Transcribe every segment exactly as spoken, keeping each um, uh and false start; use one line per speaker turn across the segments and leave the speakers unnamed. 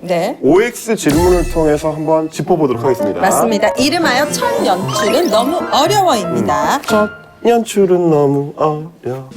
네.
오엑스 질문을 통해서 한번 짚어보도록 하겠습니다.
맞습니다. 이름하여 첫 연출은 너무 어려워입니다.
첫 연출은 너무 어려워.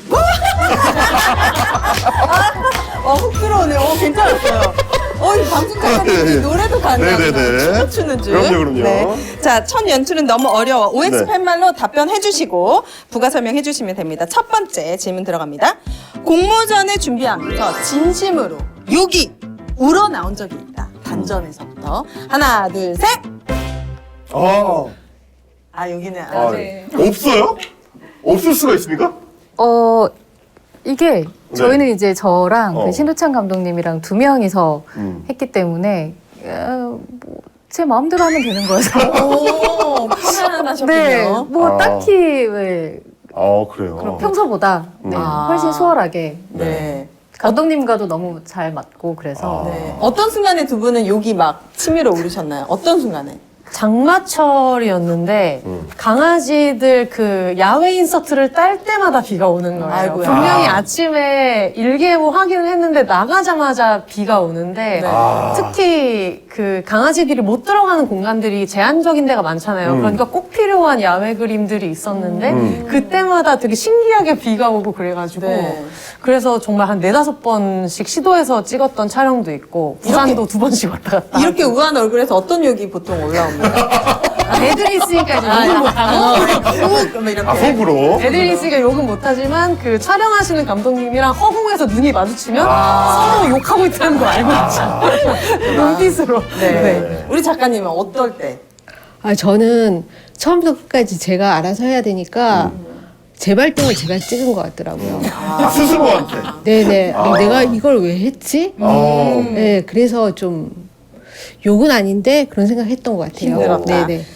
어, 훅 들어오네요. 어, 괜찮았어요. 어, 이 방송 작가님
네.
노래도 가능합니다.
네네네.
춤을 추는 줄.
그럼요, 그럼요.
자, 첫 연출은 너무 어려워. 오엑스
네.
팻말로 답변해 주시고 부가 설명해 주시면 됩니다. 첫 번째 질문 들어갑니다. 공모전을 준비하면서 진심으로 욕이 우러나온 적이 있다. 단전에서부터. 하나, 둘, 셋!
아,
아, 여기는 안
아,
돼.
없어요? 없을 수가 있습니까?
어 이게 저희는 이제 저랑
어.
그 신도찬 감독님이랑 두 명이서
음.
했기 때문에 어, 뭐, 제 마음대로 하면 되는 거여서
오, 편안하셨군요.
네, 뭐
아.
딱히 왜
아, 그래요.
평소보다 네,
아.
훨씬 수월하게
네.
감독님과도 너무 잘 맞고 그래서
아.
네. 어떤 순간에 두 분은 욕이 막 치밀어 오르셨나요? 어떤 순간에?
장마철이었는데
음.
강아지들 그 야외 인서트를 딸 때마다 비가 오는 거예요.
아이고야.
분명히
아.
아침에 일기예보 확인을 했는데 나가자마자 비가 오는데
네.
아.
특히 그 강아지들이 못 들어가는 공간들이 제한적인 데가 많잖아요.
음.
그러니까 꼭 필요한 야외 그림들이 있었는데
음.
그때마다 되게 신기하게 비가 오고 그래가지고
네.
그래서 정말 한 네다섯 번씩 시도해서 찍었던 촬영도 있고 부산도 두 번씩 왔다 갔다
이렇게 우아한 얼굴에서 어떤 욕이 보통 올라옵니까?
애들이 있으니까 이제 욕을 못하고
훅! 이렇게.
아, 속으로?
애들이 있으니까 욕은 못하지만 그 촬영하시는 감독님이랑 허공에서 눈이 마주치면 서로 욕하고 있다는 걸 알고 있죠. 눈빛으로.
네.
네.
우리 작가님은 어떨 때?
아, 저는 처음부터 끝까지 제가 알아서 해야 되니까 제 발등을 제가 찍은 것 같더라고요.
아, 스스로한테.
네네.
아.
내가 이걸 왜 했지?
어.
네, 그래서 좀 욕은 아닌데 그런 생각 했던 것 같아요.
힘들었다.
네네.